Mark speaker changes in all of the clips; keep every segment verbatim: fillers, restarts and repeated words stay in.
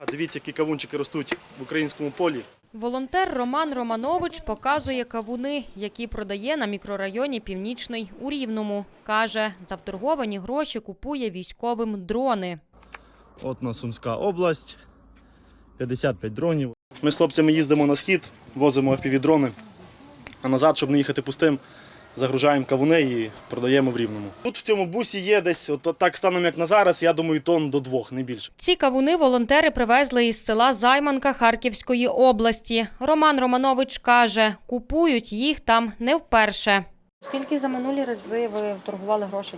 Speaker 1: Дивіться, які кавунчики ростуть в українському полі.
Speaker 2: Волонтер Роман Романович показує кавуни, які продає на мікрорайоні Північний у Рівному. Каже, за вторговані гроші купує військовим дрони.
Speaker 1: От на Сумська область, п'ятдесят п'ять дронів. Ми з хлопцями їздимо на схід, возимо еф пі ві-дрони, а назад, щоб не їхати пустим, загружаємо кавуни і продаємо в Рівному. Тут в цьому бусі є десь, от так станом як на зараз, я думаю, тонн до двох, не більше.
Speaker 2: Ці кавуни волонтери привезли із села Займанка Харківської області. Роман Романович каже, купують їх там не вперше. Скільки за минулі рази ви торгували грошей?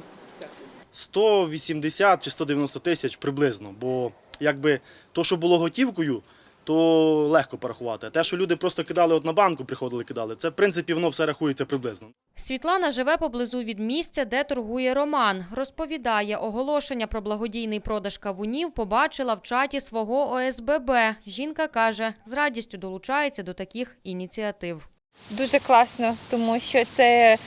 Speaker 1: сто вісімдесят чи сто дев'яносто тисяч приблизно, бо якби то, що було готівкою, то легко порахувати. А те, що люди просто кидали от на банку, приходили, кидали, це в принципі воно все рахується приблизно.
Speaker 2: Світлана живе поблизу від місця, де торгує Роман. Розповідає, оголошення про благодійний продаж кавунів побачила в чаті свого о ес бе бе. Жінка каже, з радістю долучається до таких ініціатив.
Speaker 3: Дуже класно, тому що це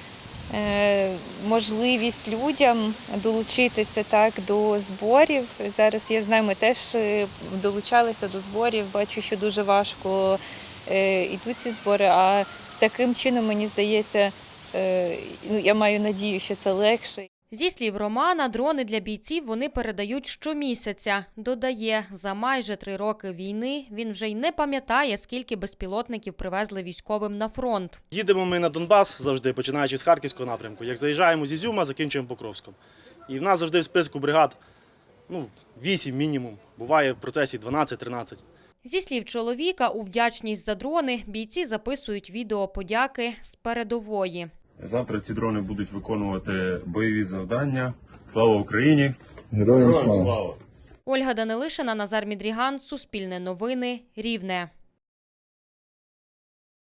Speaker 3: е, можливість людям долучитися так до зборів. Зараз я знаю, ми теж долучалися до зборів, бачу, що дуже важко е, йдуть ці збори, а таким чином, мені здається, е, ну, я маю надію, що це легше.
Speaker 2: Зі слів Романа, дрони для бійців вони передають щомісяця. Додає, за майже три роки війни він вже й не пам'ятає, скільки безпілотників привезли військовим на фронт.
Speaker 1: Їдемо ми на Донбас завжди, починаючи з Харківського напрямку. Як заїжджаємо з Ізюма, закінчуємо Покровськом. І в нас завжди в списку бригад ну, вісім мінімум, буває в процесі дванадцять-тринадцять.
Speaker 2: Зі слів чоловіка, у вдячність за дрони бійці записують відео подяки з передової.
Speaker 4: Завтра ці дрони будуть виконувати бойові завдання. Слава Україні!
Speaker 5: Героям слава!
Speaker 2: Ольга Данилишина, Назар Мідріган, Суспільне новини, Рівне.